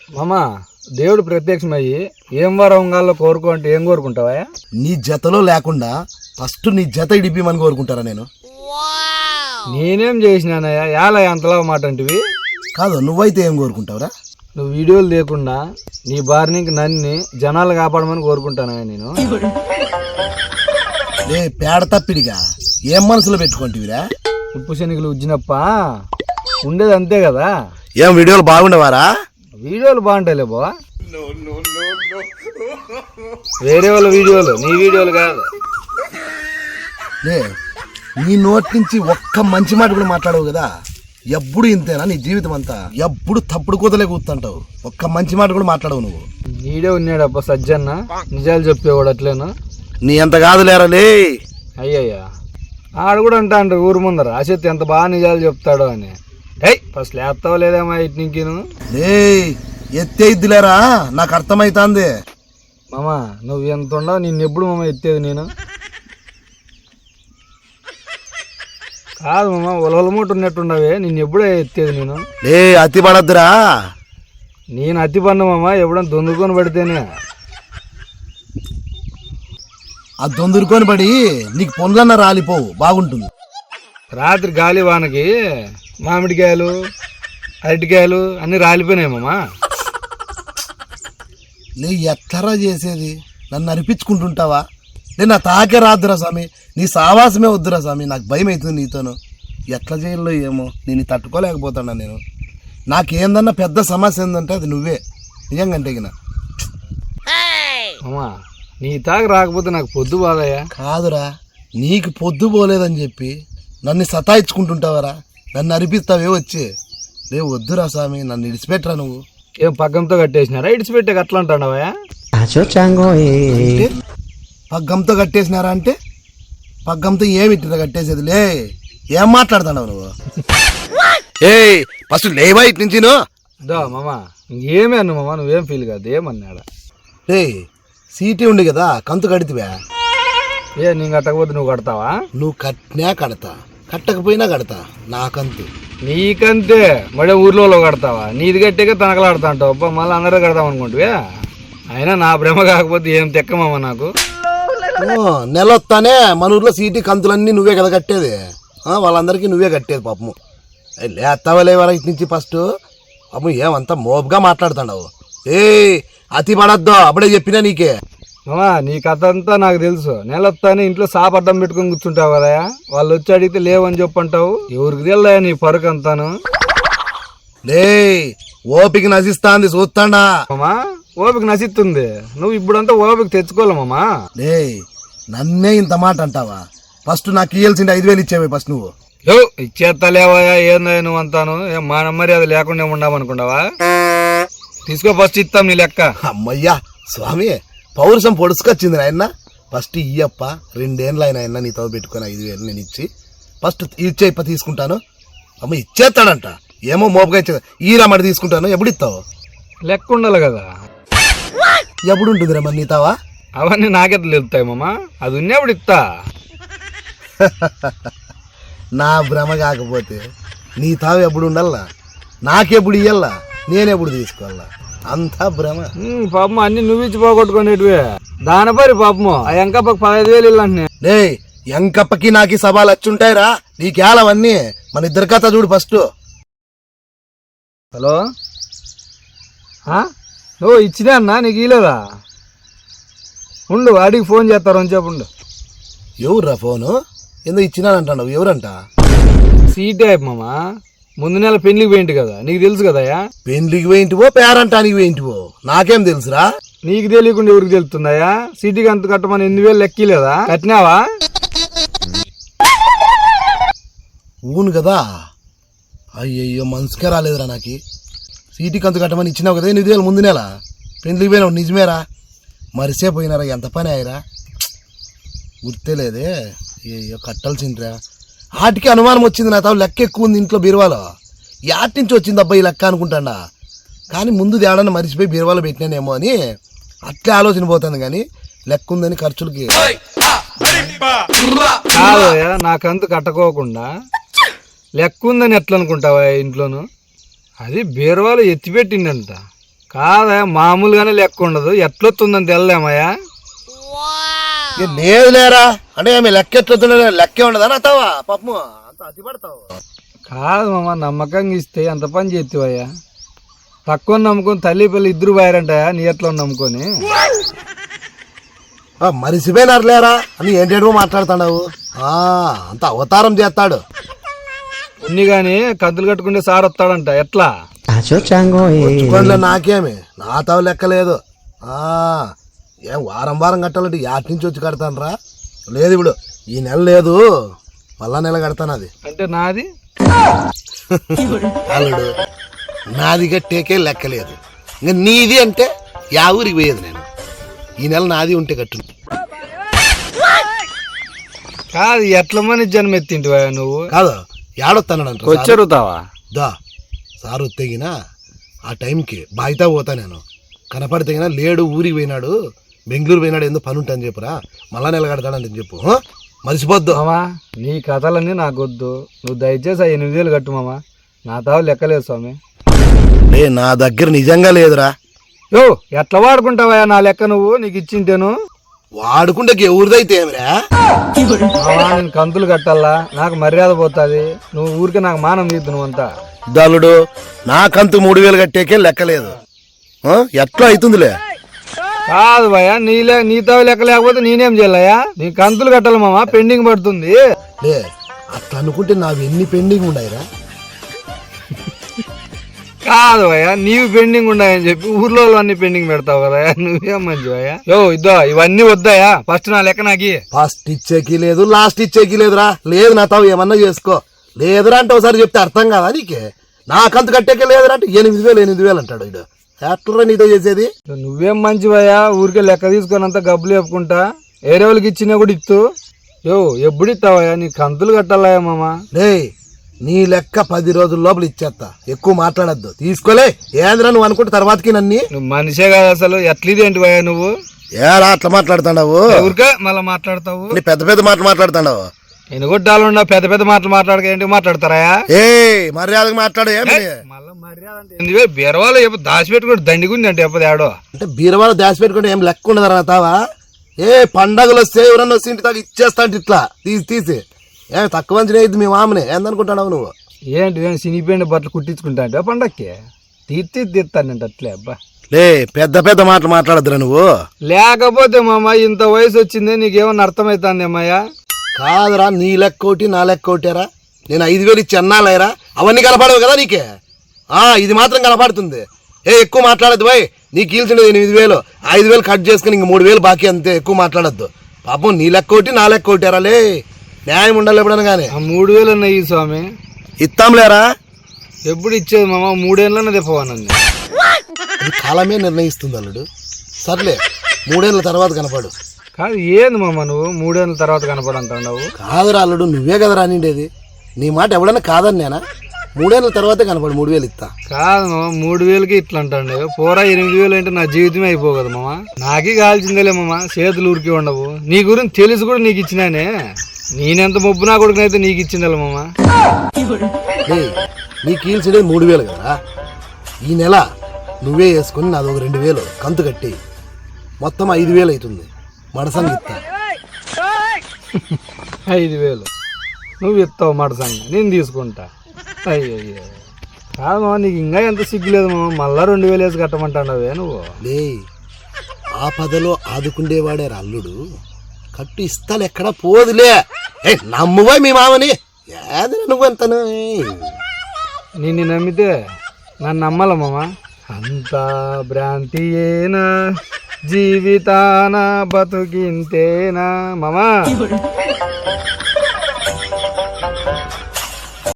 మామా దేవుడు ప్రత్యక్షమయ్యి ఏం వరంగాల్లో కోరుకో అంటే ఏం కోరుకుంటావా? నీ జతలో లేకుండా ఫస్ట్ నీ జత ఇడిపిమని కోరుకుంటారా నేను? నేనేం చేసినానయ్యా ఎలా అంతలా మాట అంటివి? కాదు, నువ్వైతే ఏం కోరుకుంటావురా? నువ్వు వీడియోలు లేకుండా నీ భార్యకి నన్ను జనాలు కాపాడమని కోరుకుంటానయ్యా నేను. లే పేడ తప్పిడిగా ఏం మనసులో పెట్టుకుంటువిరా? ఉప్పు శనికలు ఉజ్జినప్ప ఉండేది అంతే కదా. ఏం వీడియోలు బాగుండవారా? వీడియోలు బాగుంటాయిలే బా, వేరే వాళ్ళ వీడియోలు, నీ వీడియోలు కాదు. లే నీ నోటి నుంచి ఒక్క మంచి మాట కూడా మాట్లాడవు కదా. ఎప్పుడు ఇంతేనా నీ జీవితం అంతా? ఎప్పుడు తప్పుడు కూతలే కూతుంటావు, ఒక్క మంచి మాట కూడా మాట్లాడవు నువ్వు. నీడే ఉన్నాడప్ప సజ్జన్న, నిజాలు చెప్పేవాడు అట్లేనా? నీ ఎంత కాదులేరలే. అయ్యయ్యా ఆడు కూడా అంటా అంటారు ఊరు ముందర అసెత్ ఎంత బాగా నిజాలు చెప్తాడో అని. ఫస్ట్ లేస్తావా లేదేమా ఇటు నీకు? లే ఎత్తేద్దిలేరా, నాకు అర్థమైతాంది. మామా నువ్వు ఎంత ఉండవు, నిన్ను ఎప్పుడు మామ ఎత్తేది నేను కాదు మామ, ఒలవలమూట ఉన్నట్టున్నావే, నిన్ను ఎప్పుడే ఎత్తేది నేను. లే అతి పడద్దురా. నేను అతి పడిన మామ, ఎప్పుడన్నా దొందుకొని పడితేనే. ఆ దొందురుకొని పడి నీకు పొందన్న రాలిపోవు, బాగుంటుంది. రాత్రి గాలి వానకి మామిడికాయలు అరటికాయలు అన్నీ రాలిపోయినాయి మామ. లే ఎట్లరా చేసేది? నన్ను అనిపించుకుంటుంటావా? నేను నా తాకే రాదురా స్వామి, నీ సావాసమే వద్దురా స్వామి, నాకు భయం అవుతుంది నీతోను. ఎట్లా చేయాలో ఏమో, నేను తట్టుకోలేకపోతున్నా. నేను నాకేందన్నా పెద్ద సమస్య ఏందంటే అది నువ్వే, నిజంగా గిన. మామా నీ తాకి రాకపోతే నాకు పొద్దు బాదయ్యా. కాదురా, నీకు పొద్దు పోలేదని చెప్పి నన్ను సతాయించుకుంటుంటావరా, నన్ను అనిపిస్తావే వచ్చి. లే వద్దురా స్వామి, నన్ను ఇడిచిపెట్టరా నువ్వు. ఏం పగ్గంతో కట్టేసినారా? ఇడిచిపెట్టే అట్లా అంటావా? పగ్గంతో కట్టేసినారా అంటే పగ్గంతో ఏమిట్టిరా కట్టేసేది? లే ఏం మాట్లాడుతున్నావు నువ్వు? ఏ ఫస్ట్ లేవా ఇటు నుంచి దా మామా, ఇంకేమే అన్న మామా, నువ్వేం ఫీల్ కాదు, ఏమన్నాడా? లే సీటీ ఉంది కదా, కంతు కడితివా? ఏ నేను కట్టకపోతే నువ్వు కడతావా? నువ్వు కట్టినా కడతా, కట్టకపోయినా కడతా, నాకంతు. నీకంతే మడే ఊర్లో కడతావా? నీది కట్టేగా తనకలాడుతా అంటావు అబ్బా, మళ్ళీ అందరూ కడతాం అనుకుంటువే. అయినా నా భ్రమ కాకపోతే ఏం తెక్కమమ్మ నాకు. నెల వస్తానే మన ఊర్లో సీటీ కంతులన్నీ నువ్వే కదా కట్టేది, వాళ్ళందరికీ నువ్వే కట్టేది పాపము. లేస్తావా లేవరా ఇటు నుంచి ఫస్ట్? పాపం ఏమంతా మోపుగా మాట్లాడుతున్నావు. ఏ అతి పడద్దు, అప్పుడే చెప్పినా నీకే. మామా నీ కథ అంతా నాకు తెలుసు. నెలొస్తానే ఇంట్లో సాపడ్డం పెట్టుకొని కూర్చుంటావు కదా, వాళ్ళు వచ్చి అడిగితే లేవని చెప్పంటావు. ఎవరికి తెలుదా నీ పరుకు అంతాను? లే ఓపిక నశిస్తాంది చూస్తాడా? మామా ఓపిక నశిస్తుంది, నువ్వు ఇప్పుడంతా ఓపిక తెచ్చుకోవాలి మామా. లే నన్నే ఇంత మాట అంటావా? ఫస్ట్ నాకు ఇయ్యాల్సింది 5,000 ఇచ్చేవే ఫస్ట్ నువ్వు. ఇచ్చేస్తలేవా? ఏందా నువ్వు అంతాను? ఏం మా నెమ్మది అది లేకుండా ఉండమనుకుంటావా? తీసుకో ఫస్ట్ ఇస్తాం నీ లెక్క. అమ్మయ్యా స్వామి, పౌరుషం పొడుచుకొచ్చింది నాయన. ఫస్ట్ ఇయ్యప్ప, 2 ఏళ్ళు ఆయన నీతో పెట్టుకుని 5,000 నేను ఇచ్చి ఫస్ట్ ఇచ్చే ఇప్ప తీసుకుంటాను. అమ్మ ఇచ్చేస్తాడంట, ఏమో మోపుగా ఇచ్చే ఈ రమ్మడి తీసుకుంటాను. ఎప్పుడు ఇస్తావు? లెక్క ఉండాలి కదా. ఎప్పుడు ఉంటుందిరా మరి నీతావా? అవన్నీ నాకెట్లా వెళ్తాయి మామా, అది ఉన్నప్పుడు ఇస్తా. నా భ్రమ కాకపోతే నీ తావు ఎప్పుడు ఉండాలా, నాకెప్పుడు ఇయ్యాలా, నేనెప్పుడు తీసుకోవాలా? అంతా భ్రమ. పాపం అన్ని నువ్వు ఇచ్చి పోగొట్టుకునేటివే దానిపరి పాపము. ఆ ఎంకప్పకి 15,000 ఇల్లంటే లే ఎంకప్పకి నాకు సవాలు వచ్చుంటాయిరా, నీకేలవన్నీ. మన ఇద్దరి కథ చూడు ఫస్ట్. హలో, నువ్వు ఇచ్చినా అన్నా, నీకు ఇలేదా? ఉండు వాడికి ఫోన్ చేస్తారు అని చెప్పు. ఎవర్రా ఫోను? ఏందో ఇచ్చినానంటావు, ఎవరంట? సీటే మామా, ముందు నెల పెళ్లికి పోయింటి కదా, నీకు తెలుసు కదయా. పెళ్లికి పోయింటివో పేరంటానికి పోయింటివో నాకేం తెలుసురా? నీకు తెలియకుండా ఎవరికి తెలుస్తుందయా? సిటీకి అంత కట్టమని 8,000 లెక్కలేదా? కట్టినావా? ఊను కదా. అయ్యయ్యో మనసుకే రాలేదురా నాకు. సీటీకి అంత కట్టమని ఇచ్చినావు కదా 8,000 ముందు నెల. పెళ్లికి పోయినావు నిజమేరా, మరిసే పోయినారా, ఎంత పని అయ్యారా, గుర్తే లేదే. అయ్యో కట్టాల్సిందిరా. వాటికి అనుమానం వచ్చింది నా తావు, లెక్క ఎక్కువ ఉంది ఇంట్లో బీరువాలో. యాటి నుంచి వచ్చింది అబ్బాయి లెక్క అనుకుంటాడా, కానీ ముందు తేడాన్ని మరిచిపోయి బీరువాలో పెట్టినానేమో అని అట్లే ఆలోచన పోతుంది. కానీ లెక్క ఉందని ఖర్చులకి కాదయ్యా, నాకంత కట్టుకోకుండా లెక్క ఉందని ఎట్లా అనుకుంటావా ఇంట్లోను? అది బీరువాలో ఎత్తిపెట్టిండంట, కాదా మామూలుగానే లెక్క ఉండదు, ఎట్లొస్తుందని తెల్లమయ్యా. లేదు లేరా అంటే ఆమె లెక్క ఎట్లుతుండే లెక్కే ఉండదా అత్తావా పాపము అంత అతి పడతావు. కాదు మామ, నమ్మకంగా ఇస్తే ఎంత పని చేస్తావయ్యా. తక్కువ నమ్ముకొని తల్లి పిల్లలు ఇద్దరు పోయారంటయా నీ ఎట్లా నమ్ముకొని. మరిసిపోయినారు లేరా అని ఏంటేటో మాట్లాడుతున్నావు. అంత అవతారం చేస్తాడు. ఉన్ని గాని కంతులు కట్టుకుంటే సార్ వస్తాడంట, ఎట్లా? వచ్చుకోండిలే నాకేమి, నా తావు లెక్కలేదు. ఏం వారం వారం కట్టాలంటే యాటి నుంచి వచ్చి కడతాను రా. లేదు ఇప్పుడు ఈ నెల లేదు, మళ్ళా నెల కడతాను. అది అంటే నాది అల్లుడు నాది కట్టేకే లెక్కలేదు. ఇంకా నీది అంటే యా ఊరికి పోయేది నేను. ఈ నెల నాది ఉంటే కట్టు. కాదు ఎట్ల మని జన్మెత్తింటివా నువ్వు? కాదు ఏడొస్తానంట వచ్చరుతావా? దా సారు తెగినా ఆ టైంకి బాయితా పోతా నేను. కనపడితేగినా లేడు, ఊరికి పోయినాడు, బెంగళూరు పోయినాడు, ఏందో పని ఉంటాను చెప్పురా, మళ్ళా నిలగడతాడని చెప్పు. మర్చిపోద్దు మామా, నీ కథలన్నీ నాకొద్దు. నువ్వు దయచేసి 8,000 కట్టు మామా, నా తావు లెక్కలేదు స్వామి. నా దగ్గర నిజంగా లేదురా. యో ఎట్లా వాడుకుంటావా నా లెక్క నువ్వు? నీకు ఇచ్చింటేను వాడుకుంటే ఎవరిదైతే ఏమిరా. నేను కంతులు కట్టాలా, నాకు మర్యాద పోతుంది. నువ్వు ఊరికే నాకు మానం తీద్దు నువ్వంతా. దళుడు నాకంతు 3,000 కట్టేకే లెక్కలేదు. ఎట్లా అవుతుందిలే. కాదు భయ, నీ తావు లెక్క లేకపోతే నేనేం చేయాలయ్యా? నీ కంతులు కట్టాలి మామ, పెండింగ్ పడుతుంది. లే అట్లా అనుకుంటే నావి ఎన్ని పెండింగ్ ఉన్నాయిరా. కాదు భయ, నీవు పెండింగ్ ఉన్నాయని చెప్పి ఊర్లో అన్ని పెండింగ్ పెడతావు కదా, నువ్వేం మంచి భయ. యో ఇద్దో ఇవన్నీ వద్దాయా? ఫస్ట్ నా లెక్క నాకి. ఫస్ట్ ఇచ్చేకి లేదు, లాస్ట్ ఇచ్చేకి లేదురా. లేదు నా తావు ఏమన్నా చేసుకో. లేదురా అంటే ఒకసారి చెప్తే అర్థం కాదా నీకే? నాకంత కట్టేకే లేదురా అంటే 8,000 అంటాడు ఇడు. ఎట్లరా నీతో చేసేది? నువ్వేం మంచి భయ, ఊరికే లెక్క తీసుకొని అంతా గబ్బులు చెప్పుకుంటా వేరే వాళ్ళకి ఇచ్చినా కూడా ఇస్తూ. యో ఎప్పుడు ఇస్తావయ్యా? నీ కంతులు కట్టాలయ్యా మామ. లే నీ లెక్క 10 రోజుల లోపల ఇచ్చేస్తా. ఎక్కువ మాట్లాడద్దు. తీసుకోలే ఏంద్రా నువ్వు అనుకుంటే తర్వాతకి నన్ను. నువ్వు మనిషే కాదు అసలు. ఎట్లీదేంటి భయ నువ్వు? ఏరా అట్లా మాట్లాడుతున్నావు? ఊరికే మళ్ళీ మాట్లాడతావు. పెద్ద పెద్ద మాటలు మాట్లాడుతున్నావు. ఎనుగొడ్డాలున్నా పెద్ద పెద్ద మాటలు మాట్లాడక ఏంటి మాట్లాడతారా? మర్యాదగా మాట్లాడు. మళ్ళీ మర్యాద అంటే బీరవాళ్ళు దాచిపెట్టుకుంటే దండిగుంది అంటే ఎప్పది ఆడో. అంటే బీరవాళ్ళు దాచిపెట్టుకుంటే ఏం లెక్క ఉండదు తావా? పండగలు వస్తే ఎవరన్నా వస్తే ఇంటి దాకా ఇచ్చేస్తా అంటే ఇట్లా తీసి తక్కువ మంచి అయింది మీ మామని ఏందనుకుంటున్నావు నువ్వు? ఏంటి సినిపోయిన బట్టలు కుట్టించుకుంటా అంటే పండక్కి తీస్తానంటే అట్లే. అబ్బా పెద్ద పెద్ద మాటలు మాట్లాడద్దురా నువ్వు. లేకపోతే మామ ఇంత వయసు వచ్చిందే నీకేమన్నా అర్థమైతుంది అమ్మాయ్యా? కాదురా, నీ లెక్క ఒకటి నా లెక్క ఒకటేరా. నేను 5,000 ఇచ్చి అన్నాలేరా, అవన్నీ కనపడవు కదా నీకే. ఇది మాత్రం కనపడుతుంది. ఎక్కువ మాట్లాడద్దు బాయ్. నీకు కీల్చినది 8,000, 5,000 కట్ చేసుకుని ఇంక 3,000 బాకీ అంతే. ఎక్కువ మాట్లాడద్దు. పాపం నీ లెక్క ఒకటి నా లెక్క ఒకటేరా. లే న్యాయం ఉండాలి ఎప్పుడైనా కానీ. 3,000 అన్నాయి స్వామి. ఇస్తాంలేరా. ఎప్పుడు ఇచ్చేది మామ? 3 ఏళ్ళనే తెప్పవానండి. కాలమే నిర్ణయిస్తుంది అల్లుడు. సర్లే 3 ఏళ్ళ తర్వాత కనపడు. కాదు ఏంది మామ నువ్వు 3 ఏళ్ళ తర్వాత కనపడంటావు? కాదురా అల్లుడు, నువ్వే కదా రానిండేది. నీ మాట ఎవడన్నా కాదని నేనా? 3 ఏళ్ళ తర్వాతే కనపడు. 3,000 ఇస్తా. కాదు మామ, 3,000కి ఇట్లా అంటాండే. పోరా 8,000 అంటే నా జీవితమే అయిపో కదా మామ. నాకే కాల్చిందేలే మామ, చేతులు ఊరికి ఉండవు. నీ గురించి తెలిసి కూడా నీకు ఇచ్చినానే. నేనెంత మొబ్బు నా కొడుకునైతే నీకు ఇచ్చిందేలే మామ. నీకు కీల్చేది 3,000 కదా. ఈ నెల నువ్వే వేసుకుని నాదొక 2,000 కంతు కట్టి మొత్తం 5,000 అవుతుంది. మడసంగి ఇస్తా. 5,000 నువ్వు ఇస్తావు మడసంగా, నేను తీసుకుంటా. అయ్యో కాదు మామ, నీకు ఇంకా ఎంత సిగ్గులేదు మామ, మళ్ళా 2,000 వేసి కట్టమంటావే నువ్వు. లే ఆపదలో ఆదుకుండేవాడే అల్లుడు. కట్టు ఇస్తాను ఎక్కడ పోదులే. నమ్మువా మీ మామని? ఏది నువ్వెంతను? నిన్ను నమ్మితే నన్ను నమ్మాల మామ. అంతా భ్రాంతియేనా జీవితాన బతుకింతేనా మామా?